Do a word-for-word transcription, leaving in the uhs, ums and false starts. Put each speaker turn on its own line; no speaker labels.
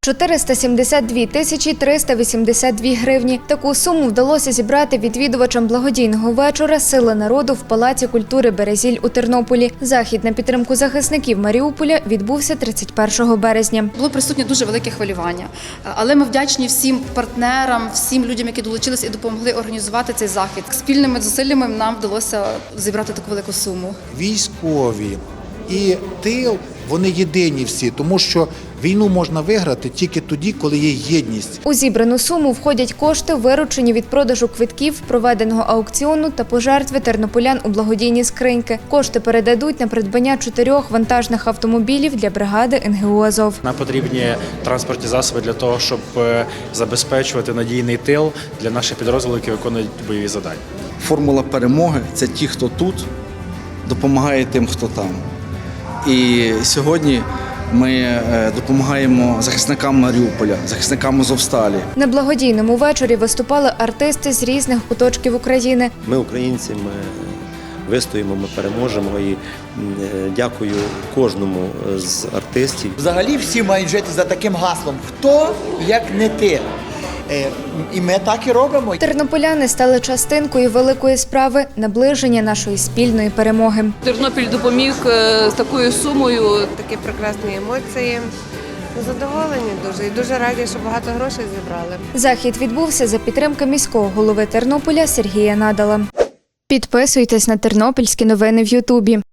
чотириста сімдесят дві тисячі триста вісімдесят дві гривні. Таку суму вдалося зібрати відвідувачам благодійного вечора «Сила народу» в Палаці культури «Березіль» у Тернополі. Захід на підтримку захисників Маріуполя відбувся тридцять першого березня.
Було присутнє дуже велике хвилювання, але ми вдячні всім партнерам, всім людям, які долучились і допомогли організувати цей захід. Спільними зусиллями нам вдалося зібрати таку велику суму.
Військові і тил, вони єдині всі, тому що війну можна виграти тільки тоді, коли є єдність.
У зібрану суму входять кошти, виручені від продажу квитків, проведеного аукціону та пожертви тернополян у благодійні скриньки. Кошти передадуть на придбання чотирьох вантажних автомобілів для бригади ен ге у «Азов».
Нам потрібні транспортні засоби для того, щоб забезпечувати надійний тил для наших підрозділів, які виконують бойові завдання.
Формула перемоги – це ті, хто тут, допомагає тим, хто там. І сьогодні ми допомагаємо захисникам Маріуполя, захисникам Азовсталі.
На благодійному вечорі виступали артисти з різних куточків України.
Ми українці, ми вистоїмо, ми переможемо і дякую кожному з артистів.
Взагалі всі мають жити за таким гаслом «Хто, як не ти?». І ми так і робимо.
Тернополяни стали частинкою великої справи – наближення нашої спільної перемоги.
Тернопіль допоміг з такою сумою.
Такі прекрасні емоції. Задоволені дуже і дуже раді, що багато грошей зібрали.
Захід відбувся за підтримки міського голови Тернополя Сергія Надала. Підписуйтесь на тернопільські новини в Ютубі.